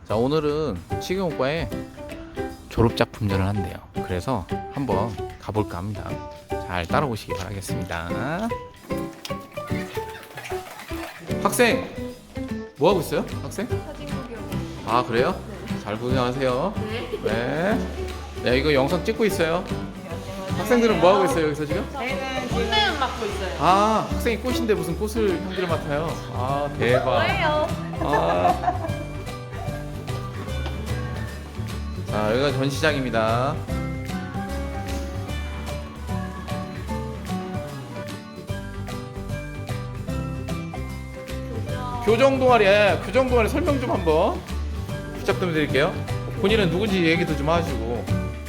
자, 오늘은 치경오과에 졸업작품전을 한대요. 그래서 한번 가볼까 합니다. 잘 따라오시기 바라겠습니다. 학생! 뭐 하고 있어요? 학생? 사진 구경. 아, 그래요? 네. 잘 구경하세요. 네. 네. 네, 이거 영상 찍고 있어요. 학생들은 뭐 하고 있어요, 여기서 지금? 저희는 꽃내음 맡고 있어요. 아, 학생이 꽃인데 무슨 꽃을 형들을 맡아요? 아, 대박. 뭐예요? 아. 자, 여기가 전시장입니다. 교정 동아리, 교정 동아리 설명 좀 한번 부탁 좀 드릴게요. 본인은 누군지 얘기도 좀 하시고.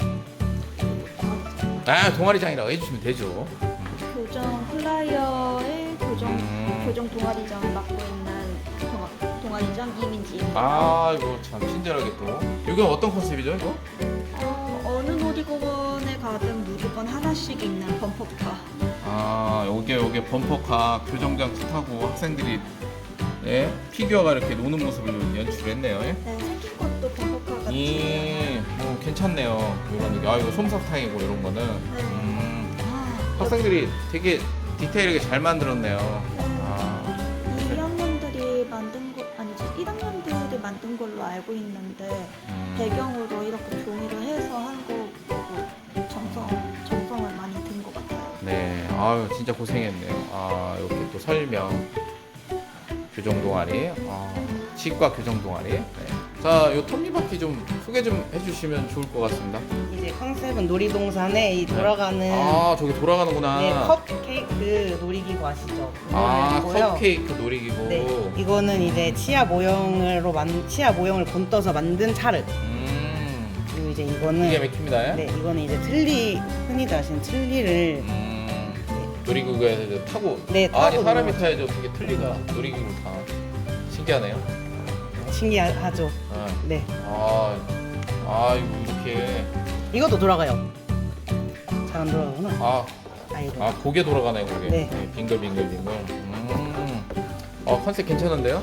아, 동아리장이라고 해주시면 되죠. 교정 플라이어의 교정 동아리장 맡고 있는 동아리장 이민지입니다. 아, 이거 참 친절하게 또. 이건 어떤 컨셉이죠, 이거? 어느 놀이공원에 가든 무조건 하나씩 있는 범퍼카. 아, 요게 범퍼카 교정장치 타고 학생들이 피규어가 이렇게 노는 모습을 연출했네요. 네, 생긴 것도 범퍼카 같이. 뭐 괜찮네요. 이런 느낌. 아, 이거 솜사탕이고 이런 거는. 네. 학생들이 되게 디테일하게 잘 만들었네요. 네. 아, 2학년들이 만든 거 아니지 1학년들이 만든 걸로 알고 있는데 배경으로 이렇게 종이를 해서 한 거고 정성을 많이 든 것 같아요. 네. 아유, 진짜 고생했네요. 아, 이렇게 또 설명. 교정 동아리. 아, 치과 교정 동아리. 네. 자, 요 톱니바퀴 좀 소개 좀 해주시면 좋을 것 같습니다. 이제 컨셉은 놀이동산에 이 돌아가는 아, 저기 돌아가는구나. 네, 컵케이크 놀이기구 아시죠? 아, 그거고요. 컵케이크 놀이기구. 네, 이거는 이제 치아 모형을 본떠서 만든 차르. 그리고 이제 이거는 기가 막힙니다. 네, 이거는 이제 흔히들 아시는 틀니를 놀이기구에서 이제 타고. 네, 아니, 타고 사람이 놀고. 타야죠. 어떻게 틀리가 놀이기구를 타. 신기하네요. 신기하죠. 아, 네, 이거 이렇게. 이것도 돌아가요. 잘 안 돌아가구나. 아이고. 고개 돌아가네, 고개. 네. 빙글빙글. 컨셉 괜찮은데요?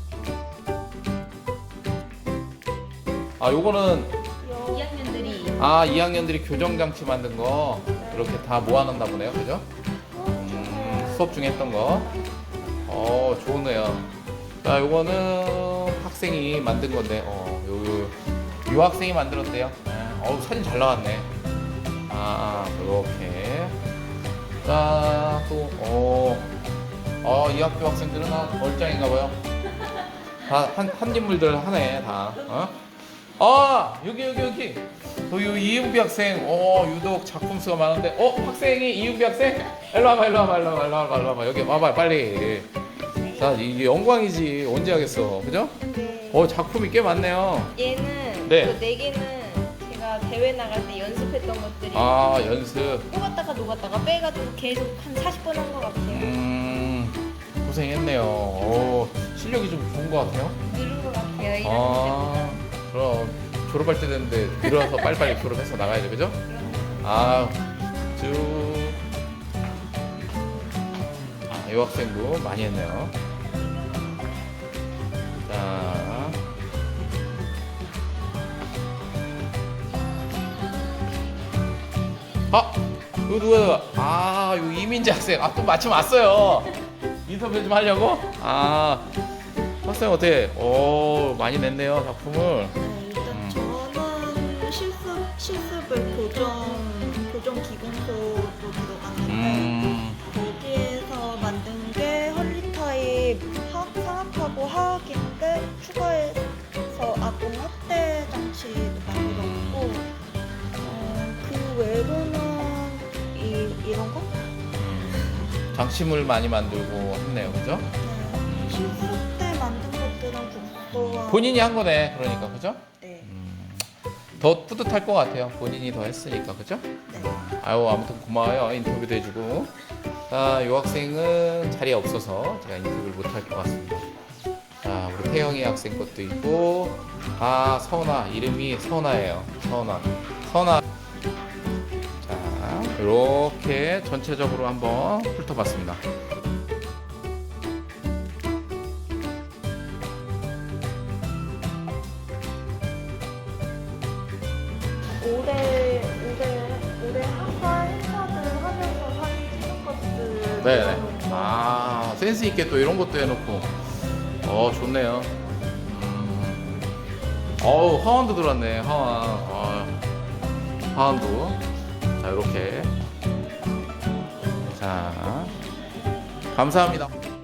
요거는 2학년들이 2학년들이 교정장치 만든 거 이렇게 다 모아놨나 보네요, 그죠? 수업 중에 했던 거. 좋네요. 자, 요거는 학생이 만든 건데, 유학생이 만들었대요. 사진 잘 나왔네. 이렇게. 자, 또, 이 학교 학생들은 얼짱인가 봐요. 다, 한 인물들 하네, 다. 여기. 이은비 학생, 유독 작품 수가 많은데, 학생이 이은비 학생? 일로 와봐. 여기 와봐, 빨리. 자, 이게 영광이지. 언제 하겠어, 그죠? 네. 작품이 꽤 많네요. 얘는 네. 그 4개는 제가 대회 나갈 때 연습했던 것들이 연습. 녹았다가 빼가지고 계속 한 40번 한 것 같아요. 고생했네요. 실력이 좀 좋은 것 같아요. 늘은 것 같아요. 1학년 때보다. 그럼 졸업할 때 됐는데 늘어서 빨리빨리 졸업해서 나가야죠, 그죠? 이 학생도 많이 했네요. 자, 이거 누구야? 이거 이민지 학생. 또 마침 왔어요. 인터뷰 좀 하려고? 학생 어때? 많이 냈네요, 작품을. 네, 일단 저는 실습을 교정 기공소로 들어갔는데 거기에서 만든 게 헐리 타입 상악하고 하악인데 추가해서 아동 학대 장치도 만들었고 그 외로는 이런 거? 장치물 많이 만들고 했네요, 그죠? 네, 실습 때 만든 것들은 국소와 본인이 한 거네, 그러니까, 그죠? 네. 더 뿌듯할 것 같아요. 본인이 더 했으니까, 그죠? 네. 아무튼 고마워요. 인터뷰도 해주고. 자, 이 학생은 자리에 없어서 제가 인터뷰를 못 할 것 같습니다. 자, 우리 태영이 학생 것도 있고, 서은아, 이름이 서은아예요. 서은아. 자, 이렇게 전체적으로 한번 훑어봤습니다. 네네. 아, 센스 있게 또 이런 것도 해놓고. 좋네요. 어우, 화환도 들어왔네. 화환. 화환도. 자, 이렇게. 자, 감사합니다.